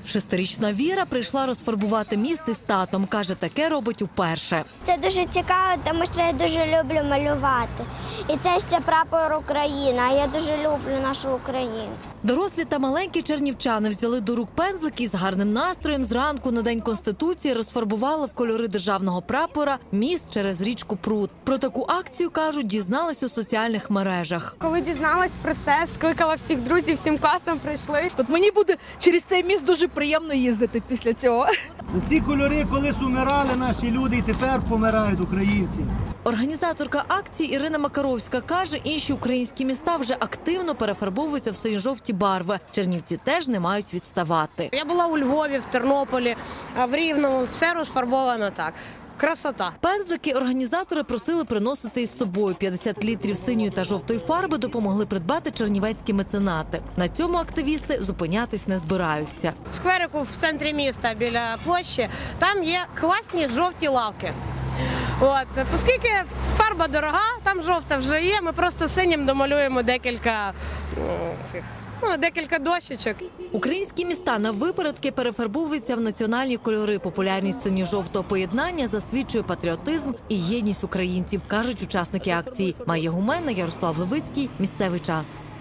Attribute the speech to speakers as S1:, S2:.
S1: Шестирічна Віра прийшла розфарбувати міст із татом. Каже, таке робить уперше.
S2: Це дуже цікаво, тому що я дуже люблю малювати. І це ще прапор України, а я дуже люблю нашу Україну.
S1: Дорослі та маленькі чернівчани взяли до рук пензлики і з гарним настроєм зранку на День Конституції розфарбували в кольори державного прапора міст через річку Прут. Про таку акцію, кажуть, дізналась у соціальних мережах.
S3: Коли дізналась про це, скликала всіх друзів, всім класом прийшли.
S4: От мені буде через цей міст дуже приємно їздити після цього.
S5: За ці кольори колись умирали наші люди і тепер помирають українці.
S1: Організаторка акції Ірина Макаровська каже, інші українські міста вже активно перефарбовуються в синьо-жовті барви. Чернівці теж не мають відставати.
S3: Я була у Львові, в Тернополі, в Рівному. Все розфарбовано так. Красота.
S1: Пензлики організатори просили приносити із собою. 50 літрів синьої та жовтої фарби допомогли придбати чернівецькі меценати. На цьому активісти зупинятись не збираються.
S3: В скверику в центрі міста біля площі там є класні жовті лавки. Оскільки фарба дорога, там жовта вже є, ми просто синім домалюємо декілька дощечок.
S1: Українські міста на випередки перефарбовуються в національні кольори. Популярність синьо-жовтого поєднання засвідчує патріотизм і єдність українців, кажуть учасники акції. Майя Гуменна, Ярослав Левицький. Місцевий час.